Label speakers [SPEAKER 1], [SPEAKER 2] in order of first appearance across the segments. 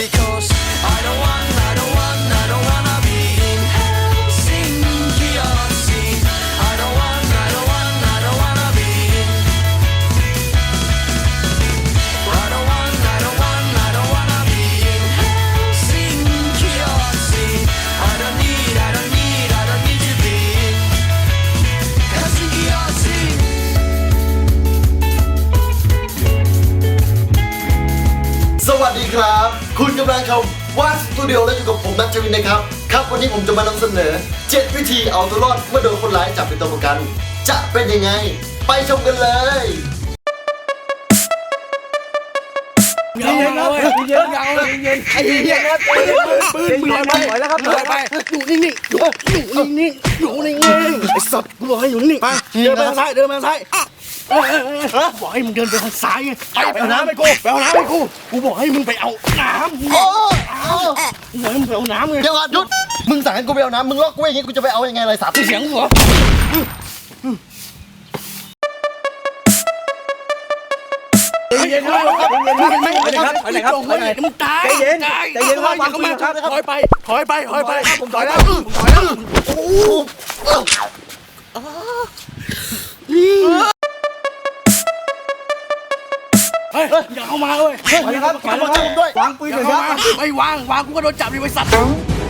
[SPEAKER 1] because I don't wanna be in Helsinki or sea. I don't wanna be in. I don't wanna be in Helsinki or sea. I don't need to be in Helsinki or sea.
[SPEAKER 2] สวัสดีครับคุณกำลังชมวาดสตูดิโอและอยู่กับผมนัทชวินนะครับครับวันนี้ผมจะมานำเสนอ7วิธีเอาตัวรอดเมื่อโดนคนร้ายจับเป็นตัวประกันจะเป็นยังไงไปชมกันเลย
[SPEAKER 3] เย็นครับเย็นไอ้เหี้ยครับปืนถอยแล้วครับถอยไปอยู่นิ่งๆอยู่นิ่งๆไอ้สัตว์กูบอกให้อยู่นิ่งๆไปเดินไปทางซ้ายบอกให้มึงเดินไปทางซ้ายไงไปเอาน้ำให้กูกูบอกให้มึงไปเอาน้ำกูบอกให้มึงไปเอาน้ำไง
[SPEAKER 2] เดี๋ยวก่อนหยุดมึงสั่งให้กูไปเอาน้ำมึงล็อกกูอย่างงี้กูจะไปเอายังไงไรสัตว์
[SPEAKER 3] เสียงหัวเย็นครับมึงตายใจเย็นครับวางปืนครับถอยไปผมถอยแล้ว
[SPEAKER 2] โอ้
[SPEAKER 3] เฮ้ยอย่าเข้ามาเว้ย
[SPEAKER 2] ครับมาจับผมด้วยวางปืนเลยครับ
[SPEAKER 3] ไม่วางกูก็โดนจับดิไอ้สัตว์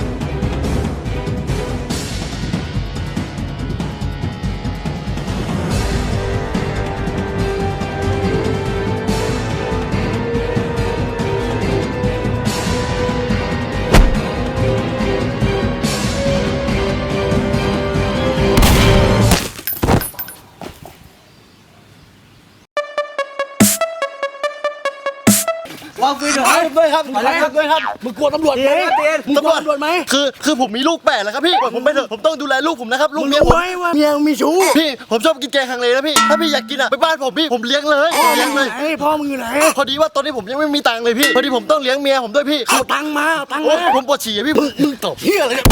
[SPEAKER 2] วางปืนด้วยครับ
[SPEAKER 3] มึงกลัวตำรวจไหมมึงกลัวตำรวจไหม
[SPEAKER 2] คือผมมีลูก8แล้วครับพี่ผมไปเถอะผมต้องดูแลลูกผมนะครับลูกเมียผม
[SPEAKER 3] เมียมีชู้
[SPEAKER 2] พี่ผมชอบกินแกงฮังเลนะพี่ถ้าพี่อยากกินอ่ะไปบ้านผมพี่ผมเลี้ยงเลย
[SPEAKER 3] พ่อมึงอยู่ไหน
[SPEAKER 2] พอดีว่าตอนนี้ผมยังไม่มีตังค์เลยพี่พอดีผมต้องเลี้ยงเมียผมด้วยพี่
[SPEAKER 3] เอาตังค์มา
[SPEAKER 2] ผมปวดฉี่พี่
[SPEAKER 3] มึงตบเหี้ยอะไร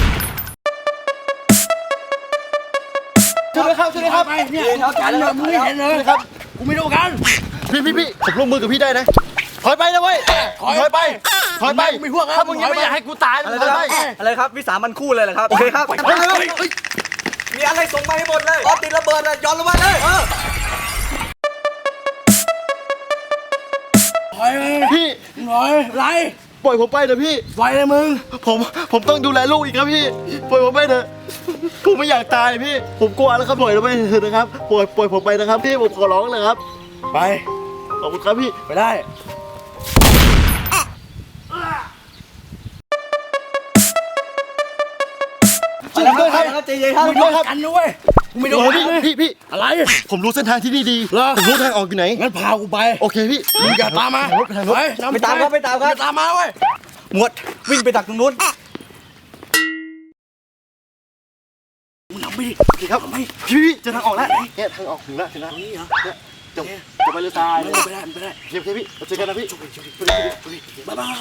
[SPEAKER 2] ช่วยครับ
[SPEAKER 3] เนี่ยกันเลยมึงไม่เห็นเลยครับกูไม่รู้กัน
[SPEAKER 2] พี่ผมร่วมมือกับพี่ได้นะถอยไปนะเว้ยถอยไป
[SPEAKER 3] ไม่พวก
[SPEAKER 2] ถ้ามึงยังไม่อยากให้กูตายถอยไป
[SPEAKER 4] อะไรครับวิสามันคู่เลยเหรอครับโอเคครับมีอะไรส่งมาให้หมดเลยออติดระเบิดเลยย้อนลงมาเลย
[SPEAKER 2] พี่
[SPEAKER 3] ไร
[SPEAKER 2] ปล่อยผมไปเถอะพี่
[SPEAKER 3] ไฟเลยมึง
[SPEAKER 2] ผมต้องดูแลลูกอีกครับพี่ปล่อยผมไปเถอะผมไม่อยากตายพี่ผมกลัวแล้วครับปล่อยเราไปเถอะนะครับปล่อยผมไปนะครับพี่ผมขอร้องเลยครับ
[SPEAKER 3] ไป
[SPEAKER 2] ขอบคุณครับพี่
[SPEAKER 3] ไปได้
[SPEAKER 4] อะไรครับใจเย็นครับ
[SPEAKER 3] กันด้วยกูไม่โดน
[SPEAKER 2] พี่
[SPEAKER 3] อะไร
[SPEAKER 2] ผมรู้เส้นทางที่นี่ดีผมรู้ทางออกอยู่ไหน
[SPEAKER 3] งั้นพากูไป
[SPEAKER 2] โอเคพี่
[SPEAKER 3] มึงอย่าตามมา
[SPEAKER 4] ไปตามครับ
[SPEAKER 3] ตามมาเว้ย
[SPEAKER 4] หมวดวิ่งไปดักตรงนู้น
[SPEAKER 3] มึงนำไปดิ
[SPEAKER 2] ครับพี่จะทางออกแล้วเนี่ยทางออกถึงแล้ว
[SPEAKER 3] นี่เหรอ
[SPEAKER 2] จะไปเรือทราย
[SPEAKER 3] ไม่ได้
[SPEAKER 2] โอเคพี่เจอกันนะพี่
[SPEAKER 3] บ๊ายบาย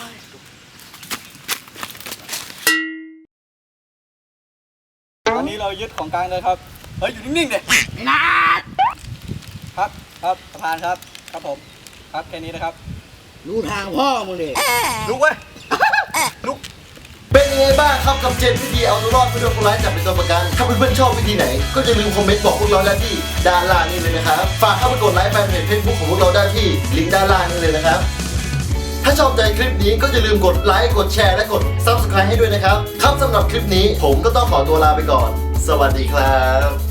[SPEAKER 4] ตอนนี้เรายึดของกลางเลยครับเฮ้ยอยู่นิ่งๆเลยนะครับประธานครับผมครับแค่นี้นะครับ
[SPEAKER 3] รู้ทางพ่อมึงดิ
[SPEAKER 4] ลุกเว้ยลุก
[SPEAKER 2] เป็นยังไงบ้างครับกับ7วิธีเอาตัวรอดเมื่อโดนคนร้ายจับเป็นตัวประกันถ้าเพื่อนๆชอบวิธีไหนก็อย่าลืมคอมเมนต์บอกพวกเราได้ที่ด้านล่างนี่เลยนะครับฝากเข้าไปกดไลค์แฟนเพจ Facebook ของพวกเราได้ที่ลิงก์ด้านล่างนี่เลยนะครับถ้าชอบใจคลิปนี้ก็อย่าลืมกดไลค์กดแชร์และกด Subscribe ให้ด้วยนะครับครับสำหรับคลิปนี้ผมก็ต้องขอตัวลาไปก่อนสวัสดีครับ